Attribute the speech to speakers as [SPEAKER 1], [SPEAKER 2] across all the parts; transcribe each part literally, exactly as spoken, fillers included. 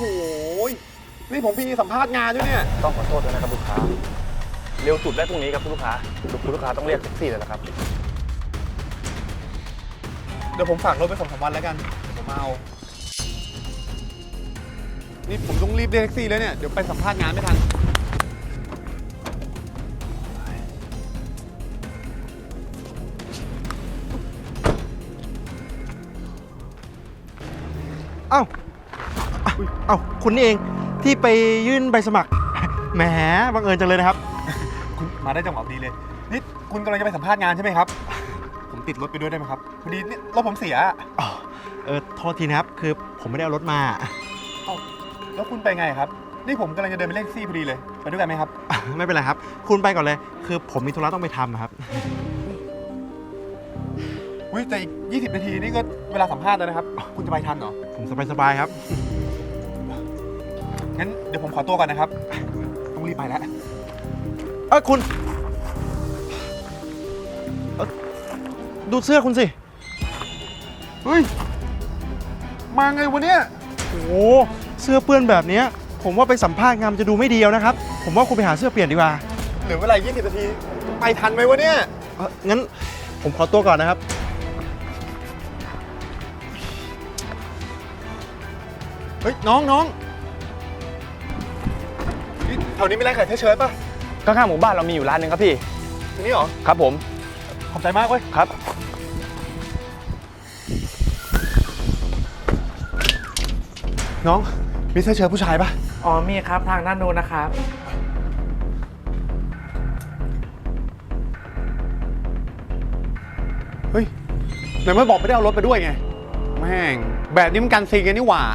[SPEAKER 1] นี่ผมพี่สัมภาษณ์งานด้วยเนี่ย
[SPEAKER 2] ต้องขอโทษด้วยนะครับลูกค้าเร็วสุดได้พรุ่งนี้ครับคุณลูกค้าคุณลูกค้าต้องเรียกแท็กซี่เลยนะครับ
[SPEAKER 1] เดี๋ยวผมฝากรถไปสองสามวันแล้วกันเดี๋ยวผมมาเอานี่ผมต้องรีบเรียกแท็กซี่แล้วเนี่ยเดี๋ยวไปสัมภาษณ์งานไม่ทัน
[SPEAKER 3] เอ้าเอ้าคุณนี่เองที่ไปยื่นใบสมัครแหมบังเอิญจังเลยนะครับ
[SPEAKER 1] คุณมาได้จังหวะดีเลยนี่คุณกำลังจะไปสัมภาษณ์งานใช่ไหมครับผมติดรถไปด้วยได้ไหมครับพอดีนี่รถผมเสีย
[SPEAKER 3] อ๋อเออโทษทีนะครับคือผมไม่ได้เอารถมา
[SPEAKER 1] เอ้าแล้วคุณไปไงครับนี่ผมกำลังจะเดินไปเรียกแท็กซี่พอดีเลยไปด้วยกันไหมครับ
[SPEAKER 3] ไม่เป็นไรครับคุณไปก่อนเลยคือผมมีธุระต้องไปทำครับ
[SPEAKER 1] อุ้ยแต่อีกยี่สิบนาทีนี่ก็เวลาสัมภาษณ์แล้วนะครับคุณจะไปทันเหรอ
[SPEAKER 3] ผมสบายๆครับ
[SPEAKER 1] งั้นเดี๋ยวผมขอตัวก่อนนะครับต้องรีบไปแล้ว
[SPEAKER 3] เออคุณดูเสื้อคุณสิ
[SPEAKER 1] เฮ้ยมาไงวะเนี่ย
[SPEAKER 3] โอ้โหเสื้อเปื้อนแบบนี้ผมว่าไปสัมภาษณ์งานจะดูไม่ดีแล้วนะครับผมว่าคุณไปหาเสื้อเปลี่ยนดีกว่า
[SPEAKER 1] เหลือเวลายี่สิบนาทีไปทันไหมวะเนี่ย
[SPEAKER 3] เอองั้นผมขอตัวก่อนนะครับ
[SPEAKER 1] เฮ้ยน้องน้องแถวนี้มีร้านขายเชิ้ตป่ะ
[SPEAKER 2] ข้างๆหมู่บ้านเรามีอยู่ร้านหนึ่งครับพี่
[SPEAKER 1] ตรงนี้เหรอ
[SPEAKER 2] ครับผม
[SPEAKER 1] ขอบใจมากเว้ย
[SPEAKER 2] ครับ
[SPEAKER 1] น้องมีเสื้อเชิ้ตผู้ชายป่ะ
[SPEAKER 4] อ๋อมีครับทางด้านโน้นนะครับ
[SPEAKER 1] เฮ้ยไหนไม่บอกไม่ได้เอารถไปด้วยไงแม่งแบบนี้มันกันซีกันนี่หว่า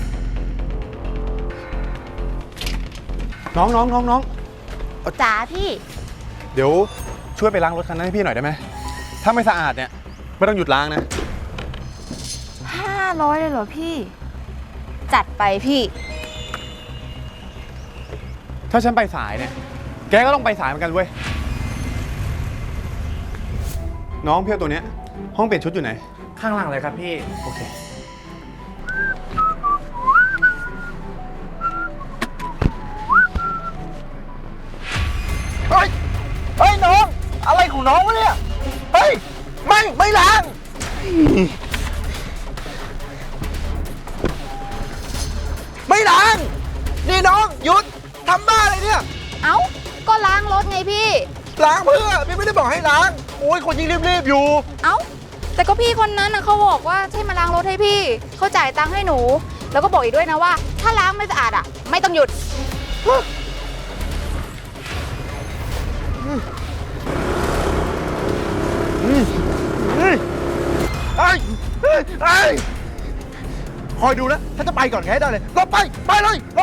[SPEAKER 1] น้องน้องน้องน้อง
[SPEAKER 5] จ๋าพี่
[SPEAKER 1] เดี๋ยวช่วยไปล้างรถคันนั้นให้พี่หน่อยได้ไหมถ้าไม่สะอาดเนี่ยไม่ต้องหยุดล้างนะ
[SPEAKER 5] ห้าร้อยเลยเหรอพี่จัดไปพี่
[SPEAKER 1] ถ้าฉันไปสายเนี่ยแกก็ต้องไปสายเหมือนกันเว้ยน้องเพี้ยวตัวเนี้ยห้องเปลี่ยนชุดอยู่ไหน
[SPEAKER 4] ข้างหลังเลยครับพี่
[SPEAKER 1] โอเค
[SPEAKER 3] เฮ้ยเฮ้ยน้องอะไรของน้องวะเนี่ยเฮ้ยไม่ไม่ล้างไม่ล้างนี่น้องหยุดทำบ้าอะไรเนี่ย
[SPEAKER 5] เอ้าก็ล้างรถไงพี่
[SPEAKER 3] ล้างเพื่อพี่ไม่ได้บอกให้ล้างโอ้ยคนยิ่งรีบๆอยู่
[SPEAKER 5] เอ้าแต่ก็พี่คนนั้นนะเขาบอกว่าให้มาล้างรถให้พี่เขาจ่ายตังค์ให้หนูแล้วก็บอกอีกด้วยนะว่าถ้าล้างไม่สะอาดอ่ะไม่ต้องหยุด
[SPEAKER 3] ไอ้ไอ้คอยดูนะถ้าจะไปก่อนแค่ได้เลยลบไปไปเลยลบ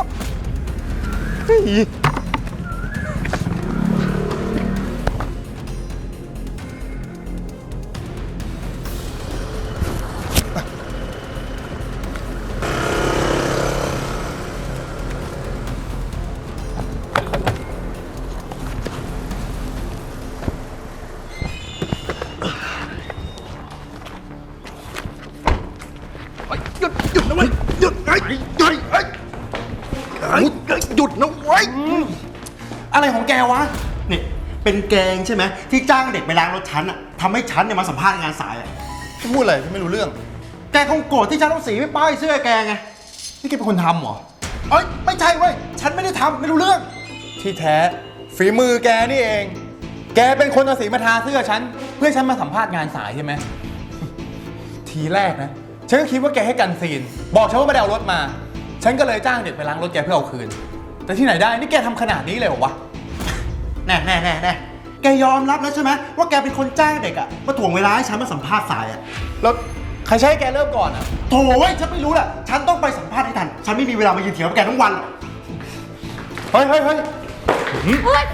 [SPEAKER 3] หยุดหยุดนะเว้ยหยุดไอ้หยุดไอ้หยุดนะเว้ย
[SPEAKER 1] อะไรของแกวะ
[SPEAKER 3] นี่เป็นแกงใช่ไหมที่จ้างเด็กไปล้างรถฉันอะทำให้ฉันเนี่ยมาสัมภาษณ์งานสายอะ
[SPEAKER 1] พี่พูดอะไรพี่ไม่รู้เรื่อง
[SPEAKER 3] แกคงโกรธที่ฉันต้องสีไม่ป้ายเสื้อแกไง
[SPEAKER 1] นี่แกเป็นคนทำเหรอ
[SPEAKER 3] เอ้ยไม่ใช่เว้ยฉันไม่ได้ทำไม่รู้เรื่อง
[SPEAKER 1] ที่แท้ฝีมือแกนี่เองแกเป็นคนเอาสีมาทาเสื้อฉันเพื่อฉันมาสัมภาษณ์งานสายใช่ไหมทีแรกนะฉันก็คิดว่าแกให้กันซีนบอกฉันว่าไม่ได้เอารถมาฉันก็เลยจ้างเด็กไปล้างรถแกเพื่อเอาคืนแต่ที่ไหนได้นี่แกทำขนาดนี้เลยเหรอวะ
[SPEAKER 3] แน่แน่แน่แน่แกยอมรับแล้วใช่ไหมว่าแกเป็นคนจ้างเด็กอะมาถ่วงเวลาให้ฉันมาสัมภาษณ์สายอะ
[SPEAKER 1] แล้วใครใช้ให้แกเริ่มก่อนอะ
[SPEAKER 3] โถ่เว้ยฉันไม่รู้แหละฉันต้องไปสัมภาษณ์ให้ทันฉันไม่มีเวลามายืนเถียงกับแกทั้งวัน
[SPEAKER 1] เฮ้ยเฮ้ยเฮ้ยเฮ้ย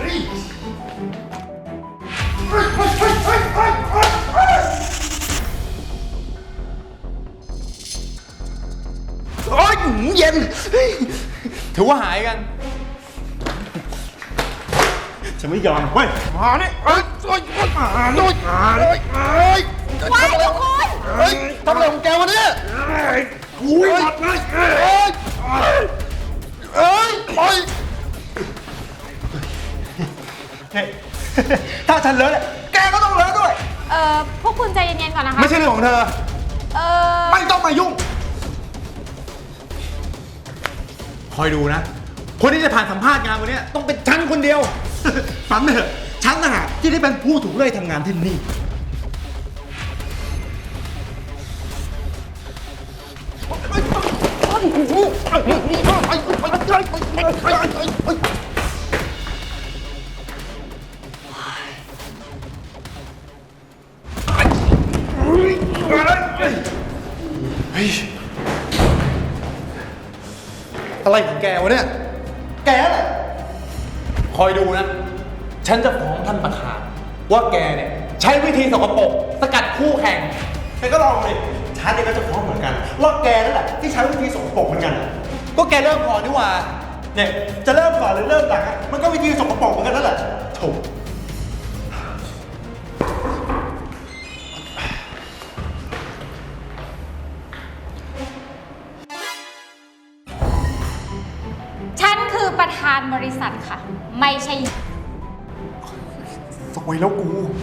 [SPEAKER 3] โอ๊ยเย็น
[SPEAKER 1] ถือว่าหายกัน
[SPEAKER 3] ฉันไม่ยอมเว้ยมาเนี่ยเอ้ยเอ้ยมาหน่อยมาหน่อยเอ้ย
[SPEAKER 5] ว้ายทุกคน
[SPEAKER 3] เฮ้ยทำอะไรของแกวะเนี่ยอุ้ยหมดเลยเอ้ย
[SPEAKER 1] ฉันเลอะเนี่ยแกก็ต้องเลอะด้วย
[SPEAKER 5] เอ่อ พวกคุณใจเย็นๆก่อนนะคะ
[SPEAKER 1] ไม่ใช่เรื่องของเธอ
[SPEAKER 5] เอ่อ
[SPEAKER 1] ไม่ต้องมายุ่ง คอยดูนะ คนที่จะผ่านสัมภาษณ์งานวันนี้ต้องเป็นฉันคนเดียว
[SPEAKER 3] ฝันเถอะฉันนะฮะที่ได้เป็นผู้ถูกเลื่อยทำงานที่นี่
[SPEAKER 1] อะไรของแกวะเนี่ย แกแหละ คอยดูนะ ฉันจะฟ้องท่านประธาน ว่าแกเนี่ยใช้วิธีสกปรกสกัดคู่แข่ง
[SPEAKER 3] แกก็ลองเลยฉันเองก็จะฟ้องเหมือนกันว่าแกนั่นแหละที่ใช้วิธีสกปรกเหมือนกัน
[SPEAKER 1] ก็แกเริ่มก่อนนี่หว่า
[SPEAKER 3] เนี่ยจะเริ่มก่อนหรือเริ่มหลังอะมันก็วิธีสกปรกเหมือนกันนั่นแหละโถ
[SPEAKER 6] ฉันคือประธานบริษัทค่ะ ไม่ใช่
[SPEAKER 1] สวยแล้วกู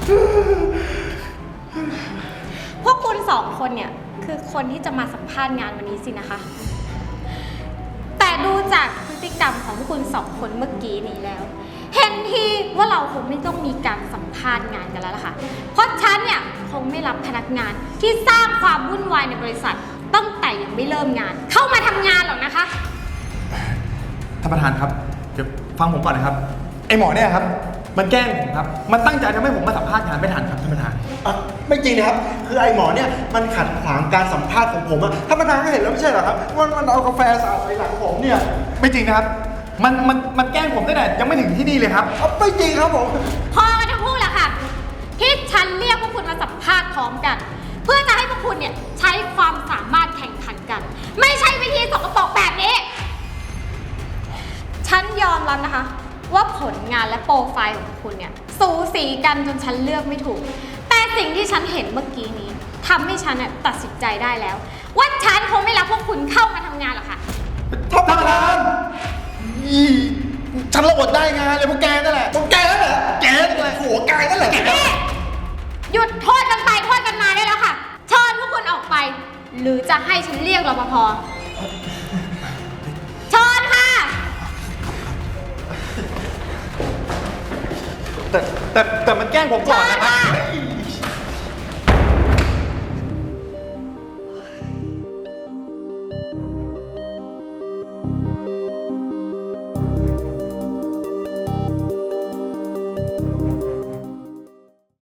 [SPEAKER 6] พวกคุณสองคนเนี่ย คือคนที่จะมาสัมภาษณ์งานวันนี้สินะคะ แต่ดูจากพฤติกรรมของพวกคุณสองคนเมื่อกี้นี้แล้ว เห็นทีว่าเราคงไม่ต้องมีการสัมภาษณ์งานกันแล้วล่ะค่ะ เพราะฉันเนี่ยคงไม่รับพนักงานที่สร้างความวุ่นวายในบริษัทตั้งแต่ยังไม่เริ่มงาน เข้ามาทำงานหรอกนะคะ
[SPEAKER 1] ท่านประธานครับ เดี๋ยวฟังผมก่อนนะครับ ไอ้หมอเนี่ยครับ มันแกล้งผมครับ มันตั้งใจทำให้ผมมาสัมภาษณ์งานไม่ทันครับท่านประธาน
[SPEAKER 3] อ่ะไม่จริงนะครับ คือไอ้หมอเนี่ยมันขัดขวางการสัมภาษณ์ของผมอะท่านประธานก็เห็นแล้วไม่ใช่เหรอครับว่ามันเอากาแฟสาดใส่หลังผมเนี่ย
[SPEAKER 1] ไม่จริงนะครับ มันมันมันแกล้งผมตั้งแต่ยังไม่ถึงที่นี่เลยครับ
[SPEAKER 3] เอาไม่จริงครับผม
[SPEAKER 6] พอกันทั้งคู่แหละค่ะ ที่ฉันเรียกพวกคุณมาสัมภาษณ์พร้อมกัน เพื่อจะให้พวกคุณเนี่ยใช้ความสามารถแข่งขันกัน ไม่ใช่วิธีสกปรกแบบนี้ ฉันยอมรับนะคะ ว่าผลงานและโปรไฟล์ของคุณเนี่ยสูสีกันจนฉันเลือกไม่ถูก แต่สิ่งที่ฉันเห็นเมื่อกี้นี้ทำให้ฉันน่ะตัดสินใจได้แล้ว ว่าฉันคงไม่รับพวกคุณเข้ามาทำงานหรอกค่ะ
[SPEAKER 1] ท่านประธานอีฉันระอดได้งานเลยพวกแกนั่นแหละพวกแกนั่นแหละ แกนั่นแหละหัวแกนั่นแหละ
[SPEAKER 6] หยุดโทษกันไปโทษกันมาได้แล้วค่ะเชิญพวกคุณออกไป หรือจะให้ฉันเรียกรปภเชิญค่ะ
[SPEAKER 1] แต่แต่แต่มันแกล้งผมก่อนนะครับ
[SPEAKER 6] พ